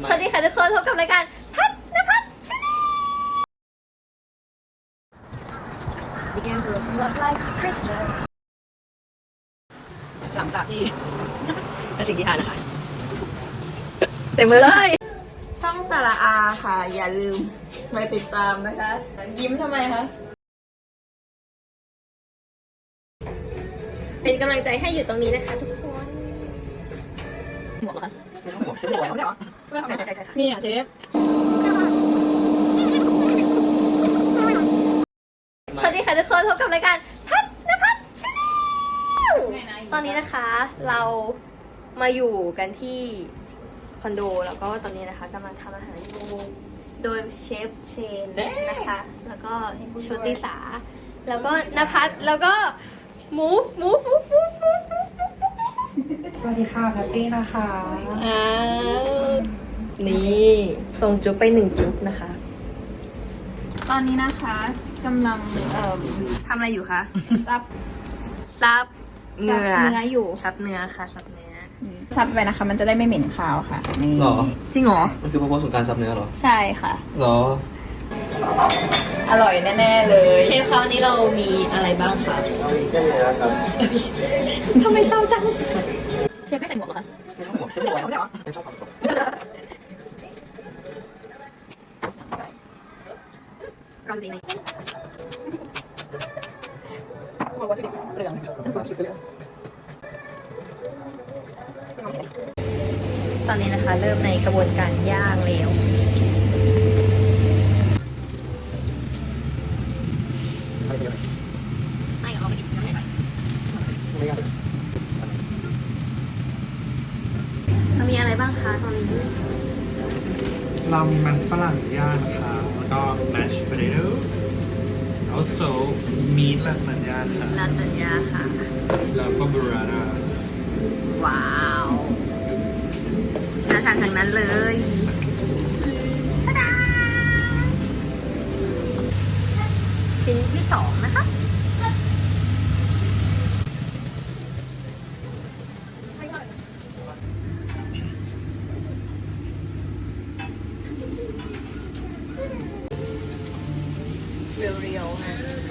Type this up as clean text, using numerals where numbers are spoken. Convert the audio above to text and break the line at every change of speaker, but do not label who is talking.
สวัสดีค่ะทุกคนพบกับรายการพัดนภัสชาแนล
Began to look like Christmas
หลังจากที่เป็นสิ่งที่ทานนะคะเต็มมือเลย
ช่องสาระอาค่ะ อย่าลืมไปติดตามนะคะ ยิ้มทำไมคะ เป็นกำลังใจให้อยู่ตรงนี้นะคะทุกคน
หมวกเหรอคะหมวกไม่ได้หรอใช่นี่อ่ะเชฟ
สวัสดีค่ะทุกคนพบกับรายการพัดนภัสชาแนลตอนนี้นะคะเรามาอยู่กันที่คอนโดแล้วก็ตอนนี้นะคะกำลังทำอาหารอยู่โดยเชฟเชนนะคะ แล้วก็โชติสาแล้วก็นภัสแล้วก็หมู
สวัสดีค่ะแพตตี้นะคะ
นี่ส่งจุ๊บไป1จุ๊บนะคะ
ตอนนี้นะคะกำลัง
ทำอะไรอยู่คะ
ซับ
ซับ
เนื้ออยู่
ซับเนื้อค่ะซับเนื้อ
ซับไปนะคะ มันจะได้ไม่เหม็นคาวค่ะนี่
หรอ
จริงเหรอ
มันคือพระโพสของการซับเนื้อเหรอ
ใช่ค่ะ
หรอ
อร่อยแน่ๆเลย
เชฟคราวนี้เรามีอะไรบ้างคะ
ได้เลยครับ
ทำไมเศร้าจัง
เชฟไม่ใส่หมวกเหรอคะ
ไม่ชอบความไม่ชอบความ
เราจริงไหม
เปลือง
ตอนนี้นะคะ เริ่มในกระบวนการย่างแล้วไม่เอาไปกินน้ำไหนมันมีอะไรบ้างคะตอนนี้
เรามีมันฝรั่งย่างนะคะแล้วก็ mashed potato also meat lasagna ค่ะ
ลาซานญ่าค่ะ
แล้วก็ burrata
ว้าวน่าทานทั้งนั้นเลยตะดาชิ้นที่2นะคะเรียวๆนะ